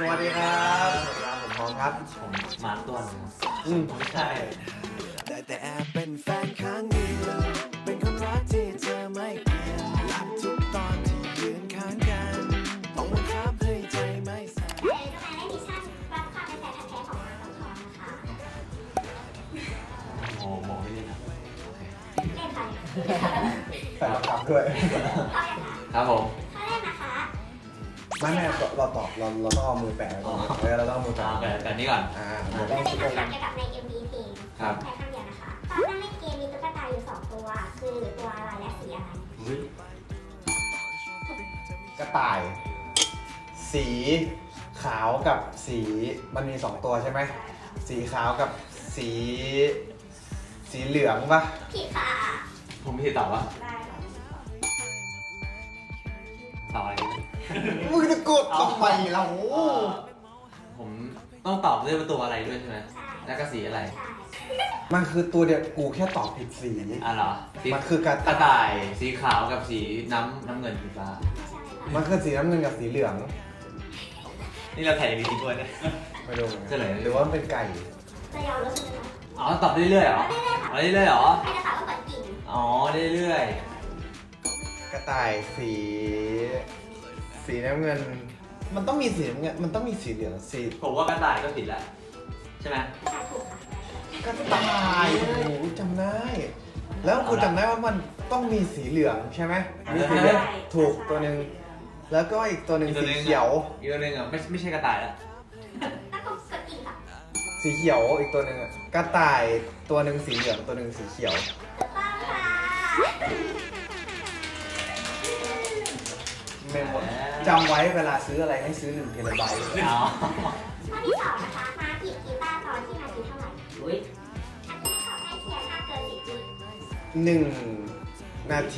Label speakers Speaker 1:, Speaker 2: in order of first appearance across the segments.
Speaker 1: สวัสดีครับผมพร้อมครับ
Speaker 2: ผมมาตัวหนึง
Speaker 1: ไม่ใช่
Speaker 3: แต่แอบเป็นแฟนครั้งเดียวเป็นคนรักที่เธอไม่เปลี่ยนหลับทุกตอนที่ยืนข้างกันต้องบังคับให้ใจไม่สั่น
Speaker 4: เป็นสไตล์มิชชั่นรับความเป็นแฟนพันธุ์แท้ของน้องทองนะคะ
Speaker 2: โอ้โหไม่เล่นนะ
Speaker 4: เล่นไป
Speaker 1: ใส่บังคับด้วย
Speaker 4: เอาอย่างค่ะ
Speaker 2: ครับผม
Speaker 4: ข้อแรกนะคะ
Speaker 1: ไม่เราตอบเราต้องเอามือแปะไว้ก่อนเราต้องเอามือแปะ
Speaker 2: แบบนี้ก่อน
Speaker 1: เดี๋ยว
Speaker 4: จะ
Speaker 1: ต้อง
Speaker 4: เป็น
Speaker 1: คิด
Speaker 4: คำถาม
Speaker 1: กัน
Speaker 4: เกี่ยวกับใน MV เพลง
Speaker 2: ครับ
Speaker 4: แค่คำเดียวนะคะตอนนั่งเล่นเกมมีตุ๊กตาอยู่2ตัวคือตัวอะไรและสีอะไร
Speaker 2: อุ้ย
Speaker 1: กระต่าย สีขาวกับสีมันมี2ตัวใช่ไหมสีขาวกับสีเหลืองปะ
Speaker 4: ผิดค่ะ
Speaker 2: ผมพี่ตอบว่า
Speaker 4: ได้ค่ะ
Speaker 2: ตอบอะไรดี
Speaker 1: มึงจะกดทำไมเรา
Speaker 2: ผมต้องตอบด้วยว่าตัวอะไรด้วยใช่ไหม
Speaker 4: ใช่
Speaker 2: แล้วก็สีอะไร
Speaker 4: ใช่
Speaker 1: มันคือตัวเดียวกูแค่ตอบผิดสี
Speaker 2: อ่ะเหรอสี
Speaker 1: มันคือกระ
Speaker 2: กระ
Speaker 1: ต่า
Speaker 2: ต่าย ยสีขาวกับสีน้ำเงินสีฟ้า
Speaker 4: ไม่ใช่ค่ะ
Speaker 1: มันคือสีน้ำเงินกับสีเหลือง
Speaker 2: นี่เราแข่งดีจริงด้วยเนี่ย
Speaker 1: ไม่รู้เหมือน
Speaker 2: เฉ
Speaker 1: กัน
Speaker 2: ลย
Speaker 1: หรือว่ามันเป็นไก่
Speaker 4: จะยอมรู้ใช่ไหมคะ
Speaker 2: อ๋อตอบเรื่อยๆเหรอ
Speaker 4: ไม่ได้ค่ะ
Speaker 2: อ๋อเรื่อยๆเหรอ
Speaker 4: ใครจะตอบก็กดกิ่ง
Speaker 2: อ๋อเรื่อย
Speaker 1: กระต่ายสีน้ำเงิน มันต้องมีสีน้ำเงินมันต้องมีสีเหลืองสี
Speaker 2: ๆผมว่ากระต่ายก็ผิดแล้วใช่ไหม
Speaker 4: ใช่ถูกค่ะ
Speaker 1: กระต่ายโอ้โหจำได้ แล้วกูจำได้ว่ามันต้องมีสีเหลืองใช่ไหมมีสีเหลืองถูกตัวหนึ่งแล้วก็อีกตัวหนึ่งสีเขียว
Speaker 2: อีกตัวหนึงอ่ะไม่ใช่กระต่ายแล้ว
Speaker 4: ต้องกดกิ่งค่ะ
Speaker 1: สีเขียวอีกตัวหนึ่งอะกระต่ายตัวหนึ่งสีเหลืองตัวหนึ่งสีเขียว
Speaker 4: ถูกต้องค่ะ
Speaker 1: เมมหมดจำไว้เวลาซื้ออะไรให้ซื้อ1 เทราไบต์
Speaker 2: อ๋อ
Speaker 4: ข้อที่สองนะคะมาหยิบกีตาร์ตอนที่นาทีเท่าไหร่
Speaker 2: อุ้ย
Speaker 4: อันนี้ตอบให้เคียร์ถ้าเกิน10วิ
Speaker 1: 1 นาที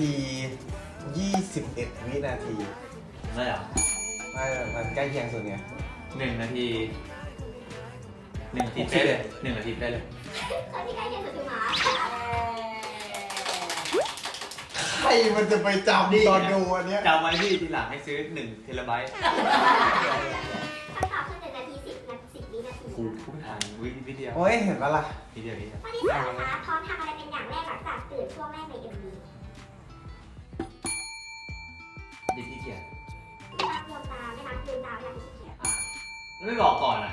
Speaker 1: 21 วินาที
Speaker 2: ไม่เหรอ
Speaker 1: ไม่มันใกล้เคียงสุดไง
Speaker 2: 1 นาทีเป๊ะเลย1 นาทีเป๊ะเลย
Speaker 4: คนที่ใกล้เคียงสุดคือหมา
Speaker 1: ใครมันจะไปจำตอนดูอันเนี้ย
Speaker 2: จำไว้ที่ทีหลังให้ซื้อ1 เทราไบต์
Speaker 4: คำตอบคือ1 นาที 10 วินาที
Speaker 2: กูพูดทันวิเดียว
Speaker 1: โอ้ยเห็นปะล่ะ
Speaker 2: วิเดียว
Speaker 4: ข้อที่สามนะคะพร้อมทำอะไรเป็นอย่างแรกหลังจากตื่นช่วงแรกใน MV
Speaker 2: ดิที่เกียร
Speaker 4: ไม่นับดวงตาไม่นับลืมตาไม่นับขี้เกียจ
Speaker 2: อ่ะแล้วไม่บอกก่อนอ่ะ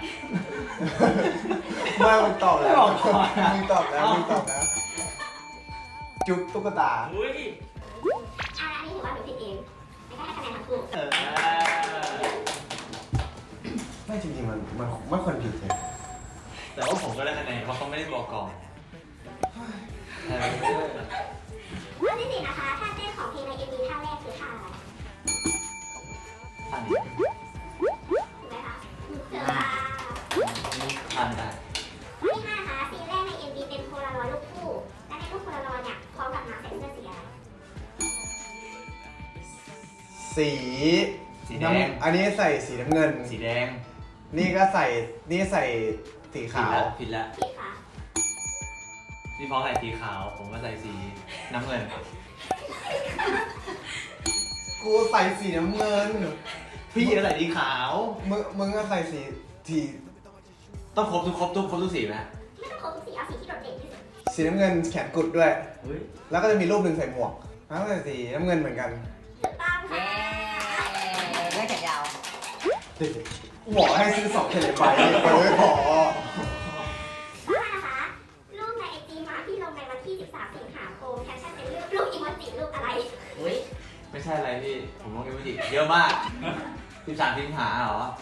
Speaker 1: ไม่มึงตอบแล้ว
Speaker 2: ไม่บอกก่อนอะ
Speaker 1: มึงตอบแล้วมึงตอบแล้วจุ๊บตุ๊กตา
Speaker 2: อุ้ย
Speaker 4: อันนี้ถือว่าหนูผิดเองไม่ได้ให้คะแนนทั้งคู่
Speaker 1: ไม่จริงๆมันควรผิดเลย
Speaker 2: แต่ว่าผมก็ได้คะแนนเพราะเขาไม่ได้บอกก่อน
Speaker 4: ข้อที่สี่นะคะท่าเต้นของเพลงใน MV ท่าแรกคือท่าอะไร
Speaker 2: อันนี้
Speaker 4: ถูกไหมคะถูกค่ะ
Speaker 2: ทานได้
Speaker 4: ข้อที่ห้านะคะซีนแรกใน MV เป็นโพลารอยด์รูปคู่และในรูปโพลารอยด์เนี่ยพร้อมกับหมาใส่เสื้อสีอะไร
Speaker 1: สี
Speaker 2: สีแดง
Speaker 1: อันนี้ใส่สีน้ำเงิน
Speaker 2: สีแดง
Speaker 1: นี่ก็ใส่สีขาว
Speaker 2: ผิดแล้ว
Speaker 4: ผิดค่ะ
Speaker 2: พี่พอใส่สีขาว ผมก็ใส่สีน้ำเงิน
Speaker 1: กูใส่สีน้ำเงิน
Speaker 2: พี่ก็ใส่สีขาว
Speaker 1: มึงก็ใส่สี
Speaker 2: ต้องครบทุกสีไหม
Speaker 4: ไม่ต้องครบทุกสีเอาสีที่โดดเด่นที่สุด
Speaker 1: สีน้ำเงินแขนกุดด้วย
Speaker 2: เฮ้ย
Speaker 1: แล้วก็จะมีรูปหนึ่งใส่หมวกแล้วก็ใส่สีน้ำเงินเหมือนกัน
Speaker 4: ถูกต้อง
Speaker 5: เย้
Speaker 4: ค่ะ
Speaker 5: เรื่องแขนยาว
Speaker 1: บอกให้ซื้อ2 เทเลไบต์ไปไม่พอ
Speaker 4: ข้อห้านะคะรูปใน IG มาที่ลงในวันที่ 13 สิงหาคมแคปชั่นเป็นรูปอีโมจิรูปอะไร
Speaker 5: อุ้ย
Speaker 2: ไม่ใช่อะไรพี่ ผมลงเอวิจิเยอะมาก13 สิงหาเหรอ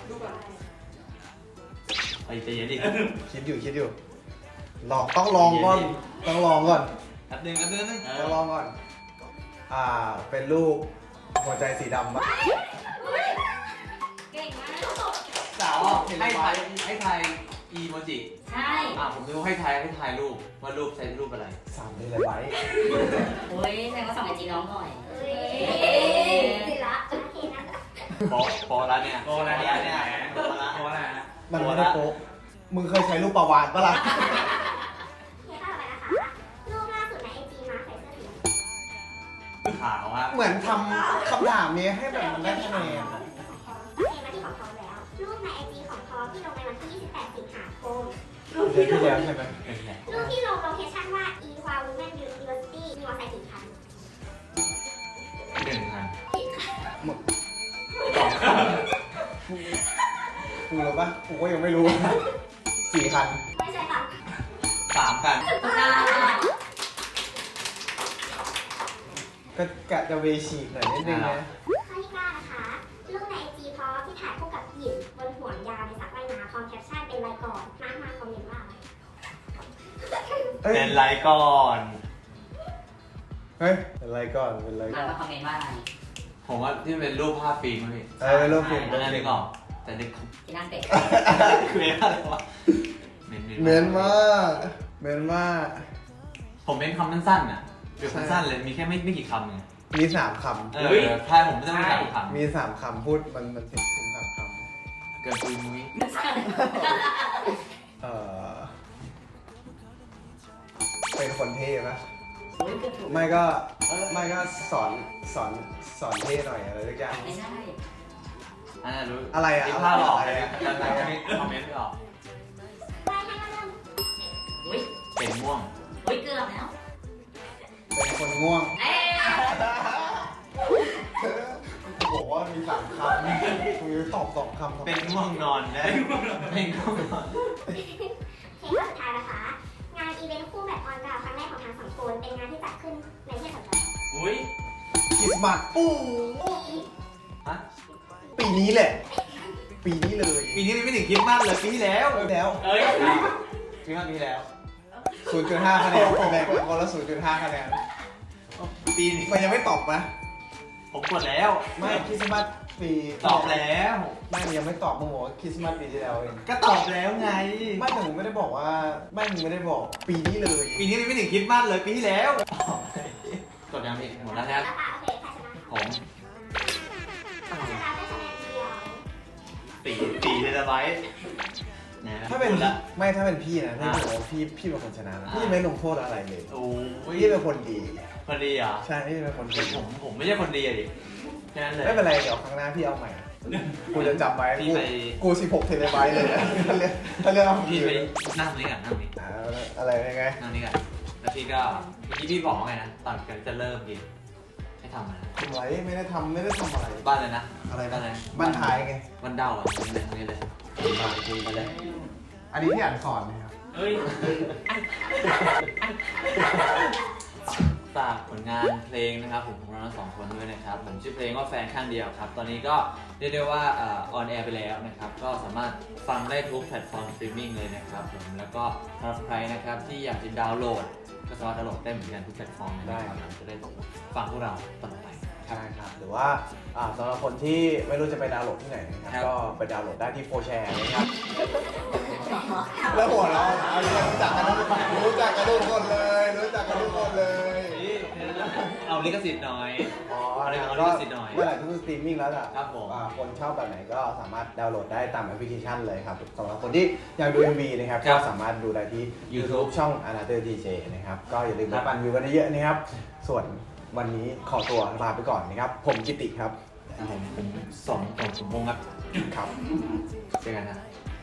Speaker 2: ไปใจเย็นดิ
Speaker 1: คิดอยู่ต้องลองก่อนต้องลองก่อน
Speaker 2: แป๊บนึง
Speaker 1: ต้องลองก่อนเป็นรูปหัวใจสีดำปะ
Speaker 5: เก่งมาก
Speaker 2: สาวให้ทายอีโมจิ
Speaker 5: ใช่
Speaker 2: ผมดูให้ทายรูปว่ารูปใช้รูปอะไร
Speaker 1: 3 เทเลไบต์
Speaker 5: อุ้ยแสดงว่าส่องไอจีน้องหน่อย
Speaker 4: เอ้ยสิละโอเคนะคะ
Speaker 2: โปแล้วเนี่ย
Speaker 1: มันไม่ได้โป๊ะมึงเคยใช้รูปประวานปะล่ะ
Speaker 4: โอเคข้อต่อไปนะคะรูปล่าสุดใน IG มาใส่เสื้อสีอะไร
Speaker 2: ขาวครับ
Speaker 1: เหมือนทำคำถามนี้ให้แบบมันได้คะแนน
Speaker 4: โอเคมาที่ของเขาแล้วรูปใน IG ของพอที่ลงในวันที่ 28 สิงหาคม
Speaker 1: เดือนที่แล้วใช่ไหม
Speaker 4: รูปที่ลงโลเคชั่นว่า Ewha Women University มีมอไซค์กี่คัน
Speaker 2: 1 คัน
Speaker 1: กูรู้ปะกูก็ยังไม่รู้ 4 คัน
Speaker 4: ไม่ใช่ค่ะ
Speaker 2: 3 คัน
Speaker 5: ถูกต้อง
Speaker 1: ก็กะจะเวฉีกหน่อยนิดนึงนะ
Speaker 4: ข้อที่9นะคะ รูปใน IG พอที่ถ่ายคู่กับหยิบบนห่วงยาวในสระว่ายน้ำพร้อมแคปชั่นเป็นไรก่อน มาคอมเมนต์ว่าอะไร
Speaker 1: เอ้ย
Speaker 2: เป็นไรก่อน
Speaker 1: เฮ้ยเป็นไรก่อนเป็นไร
Speaker 5: มาคอมเมนต์ว่าอะไร
Speaker 2: ผมว่าที่เป็นรูปภาพฟิล์มมั้งพี่
Speaker 1: รูปฟิล์ม
Speaker 2: อันนั้นนึกออกแต่นึก
Speaker 5: ที่นั่งเตะ
Speaker 2: คืออะไรวะเมน
Speaker 1: มากเมนมาก
Speaker 2: ผมเม้นคำสั้นๆน่ะคือสั้นๆเลยมีแค่ไม่กี่คำไง
Speaker 1: มี 3 คำ
Speaker 2: ท้ายผมไม่ต้องมี3 คำ
Speaker 1: มี 3 คำพูดมันถึง3 ค
Speaker 2: เกินปุยมุ้ย
Speaker 1: ำเป็นคนเท่ปะ
Speaker 5: โอ้ยก็ถูก
Speaker 1: ไม่ก็สอนเท่หน่อยอะไรสักอย่าง
Speaker 5: ไม่ใช่
Speaker 2: อันนั้นรู้
Speaker 1: อะไรอะ
Speaker 2: ที่ภาพออก
Speaker 1: อะไร
Speaker 2: เลย
Speaker 1: อะ
Speaker 2: แต่ไม่คอมเมนต์ไม่ออก
Speaker 4: ไปให้ก็เริ่ม
Speaker 5: อุ้ย
Speaker 2: เป็นม่วง
Speaker 5: อุ้ยเกือบแล้ว
Speaker 1: เป็นคนง่วง
Speaker 5: เอ๊ะ
Speaker 1: บอกว่ามี3 คำมีตอบ2 คำ
Speaker 2: เป็นม่วงนอนได้เป็นง่วงนอน
Speaker 4: เพลงข้อสุดท้ายนะคะ งานอีเวนต์คู่แบบออนกราวครั้งแรกของทางสองคนเป็นงานที่จัดขึ้นในเทศกาล
Speaker 2: อุ้ย
Speaker 1: คริสต์มาสปู้
Speaker 2: ฮะ
Speaker 1: ปีนี้แหละ ปีนี้เลย
Speaker 2: ปีนี้ไม่ถึงคริดมากเลยปีที่แล้ว
Speaker 1: แล้ว
Speaker 2: เอ้ยปีที่แล้ว
Speaker 1: 0.5 คะแนนแบ่งกันคนละ 0.5 คะแนน
Speaker 2: ปีนี้
Speaker 1: มันยังไม่ตอบนะ
Speaker 2: ผมกดแล้ว
Speaker 1: ไม่คริสต์มาสปี
Speaker 2: ตอบแล้ว
Speaker 1: ไม่มันยังไม่ตอบมึงบอกว่าคริสต์มาสปีที่แล้วเอง
Speaker 2: ก็ตอบแล้วไง
Speaker 1: ไม่แต่มึงไม่ได้บอกว่าไม่มึงไม่ได้บอกปีนี้เลย
Speaker 2: ปีนี้ไม่ถึงคริดมากเลยปีที่แล้วกดยังพี่หมดแล้วครับ
Speaker 4: แล้วค่ะโอเคใครชนะ
Speaker 2: ผม
Speaker 4: ใครชนะได้คะแนนเดียว
Speaker 2: ตีเลยนะไว้ะ
Speaker 1: ถ้าเป็น
Speaker 2: หมดละ
Speaker 1: ไม่ถ้าเป็นพี่นะพี่บอกว่าพี่เป็นคนชนะนะพี่ไม่ลงโทษอะไรเลย
Speaker 2: โอ้ย
Speaker 1: พี่เป็นคนดี
Speaker 2: คนดีเหรอ
Speaker 1: ใช่พี่เป็นคนดี
Speaker 2: ผมไม่ใช่คนดีอะดิแค่นั้นเลย
Speaker 1: ไม่เป็นไรเดี๋ยวครั้งหน้าพี่เอาใหม่กูจะจำไว้
Speaker 2: พี่ไป
Speaker 1: กู16 เทเลไบต์เลยนะถ้าเรื่องเอา
Speaker 2: พี่ไปนั่งตรงนี้ก่อนนั่งตรงนี้
Speaker 1: อะไรยังไง
Speaker 2: นั่งนี่ก่อนแล้วพี่ก็เมื่อกี้พี่บอกว่าไงนะตอนกันจะเริ่มกินให้ทำอะไรนะ
Speaker 1: ทำไรไม่ได้ทำอะไร
Speaker 2: บ้านเลยนะ
Speaker 1: อะไร
Speaker 2: บ้านเลย
Speaker 1: บ้านท้ายไง
Speaker 2: บ้านเดาอ่ะตรงนี้เลยบ้านจริงไปเลย
Speaker 1: อันนี้พี่อ่านสอนนะครับ
Speaker 2: เฮ้ยฝากผลงานเพลงนะครับผมของเราทั้งสองคนด้วยนะครับผมชื่อเพลงว่าแฟนข้างเดียวครับตอนนี้ก็เรียกได้ว่าออนแอร์ไปแล้วนะครับก็สามารถฟังได้ทุกแพลตฟอร์มสตรีมมิ่งเลยนะครับผมแล้วก็สำหรับใครนะครับที่อยากจะดาวน์โหลดก็สามารถดาวน์โหลดได้เหมือนกันทุกแพลตฟอร์มเลยนะครับจะได้ฟังพวกเราต่อไป
Speaker 1: ใช่ครับหรือว่าสำหรับคนที่ไม่รู้จะไปดาวน์โหลดที่ไหนนะครับ
Speaker 2: ครับ
Speaker 1: ก็ไปดาวน์โหลดได้ที่โฟแชร์นะครับแล้วหัวเราะเอารู้จักกันทุกคนเลยรู้จักกันทุกคนเลย
Speaker 2: เอาลิขสิทธิ์หน่อย
Speaker 1: อ๋อ
Speaker 2: เอาลิ
Speaker 1: นะครับ
Speaker 2: ขสิทธิ์หน่อย
Speaker 1: เมื่อไหร่ที่สตรีมมิ่งแล้วอ่ะ
Speaker 2: ครับผม
Speaker 1: คนชอบแบบไหนก็สามารถดาวน์โหลดได้ตามแอปพลิเคชันเลยครับสำหรับคนที่อยากดู MV นะครับ
Speaker 2: ครั
Speaker 1: ก็
Speaker 2: บ
Speaker 1: สามารถดูได้ที่
Speaker 2: YouTube
Speaker 1: ช่อง Another DJ นะครับก็อย่าลืม
Speaker 2: ครั
Speaker 1: มา
Speaker 2: บ
Speaker 1: ปั่นวิวกันเยอะๆนะครับส่วนวันนี้ขอตัวลาไปก่อนนะครับผมกิติครับ
Speaker 2: ผมสมพงษ์ครับ
Speaker 1: ครับ
Speaker 2: เจอกันนะ